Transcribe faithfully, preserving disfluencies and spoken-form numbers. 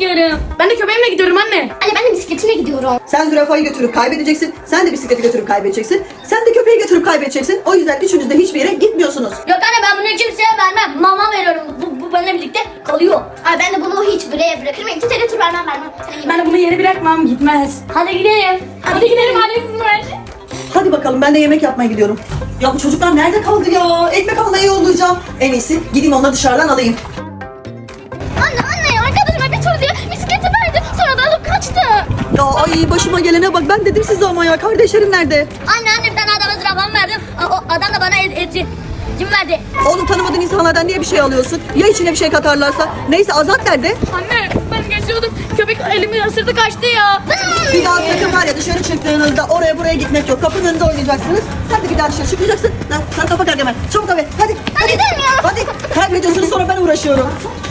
istiyorum. Ben de köpeğimle gidiyorum anne. Anne ben de bisikletime gidiyorum. Sen zürafayı götürüp kaybedeceksin. Sen de bisikleti götürüp kaybedeceksin. Sen de köpeği götürüp kaybedeceksin. O yüzden üçünüz de hiçbir yere gitmiyorsunuz. Yok anne ben bunu kimseye vermem. Mama veriyorum. Bu, bu benimle birlikte kalıyor. Ay ben de bunu hiç buraya bırakırım. İki tane tur vermem vermem. Ben de bunu yere bırakmam, gitmez. Hadi gidelim. Hadi gidelim anne. Hadi bakalım, ben de yemek yapmaya gidiyorum. Ya bu çocuklar nerede kaldı ya? Ekmek almaya yollayacağım. En iyisi gideyim onları dışarıdan alayım. Anne anne arkadaşıma bir tur diye bisikleti verdi. Sonra da alıp kaçtı. Ya ay başıma gelene bak, ben dedim size ama ya, kardeşlerim nerede? Anne anne bir tane adama zürafamı verdim. O, o adam da bana et, eti. Kim verdi? Oğlum, tanımadığın insanlardan niye bir şey alıyorsun? Ya içine bir şey katarlarsa? Neyse, Azat nerede? Anne ben geçiyordum. Köpek elimi ısırdı kaçtı ya. Bir daha sakın var ya, dışarı çıktığınızda oraya buraya gitmek yok. Kapının önünde oynayacaksınız. Sen de bir daha dışarı çıkmayacaksın. Lan, sen kafa Gargamel. Çabuk abi. Hadi. Hadi gidelim ya. Hadi. Kaybediyorsunuz, sonra ben uğraşıyorum.